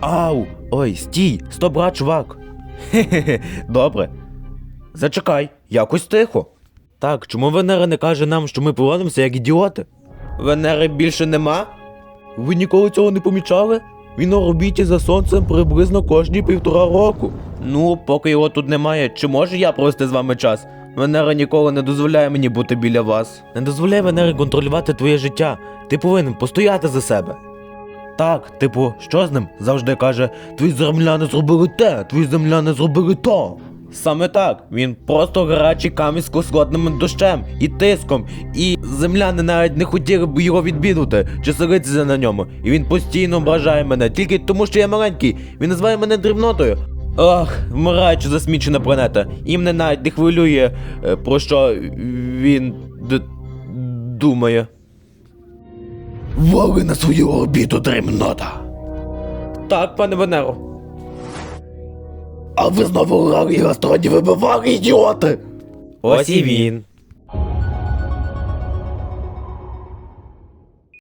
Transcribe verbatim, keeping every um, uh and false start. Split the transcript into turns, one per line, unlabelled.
Ау! Ой, стій! Стоп, брат, чувак! Хе-хе-хе, добре. Зачекай, якось тихо. Так, чому Венера не каже нам, що ми поводимося як ідіоти? Венери більше нема? Ви ніколи цього не помічали? Він на орбіті за сонцем приблизно кожні півтора року. Ну, поки його тут немає, чи можу я провести з вами час? Венера ніколи не дозволяє мені бути біля вас. Не дозволяй Венері контролювати твоє життя. Ти повинен постояти за себе. Так, типу, що з ним? Завжди каже, твої земляни зробили те, твої земляни зробили то. Саме так, він просто гарячий камінь з кислотним дощем і тиском, і земляни навіть не хотіли б його відвідувати чи селитися на ньому. І він постійно ображає мене, тільки тому, що я маленький, він називає мене дрібнотою. Ах, вмираючи засмічена планета, і мене навіть не хвилює, про що він д- думає. Вали на свою орбіту, дрібнота. Так, пане Венеро. А ви знову грали і гастроні вибивали, ідіоти! Ось і він.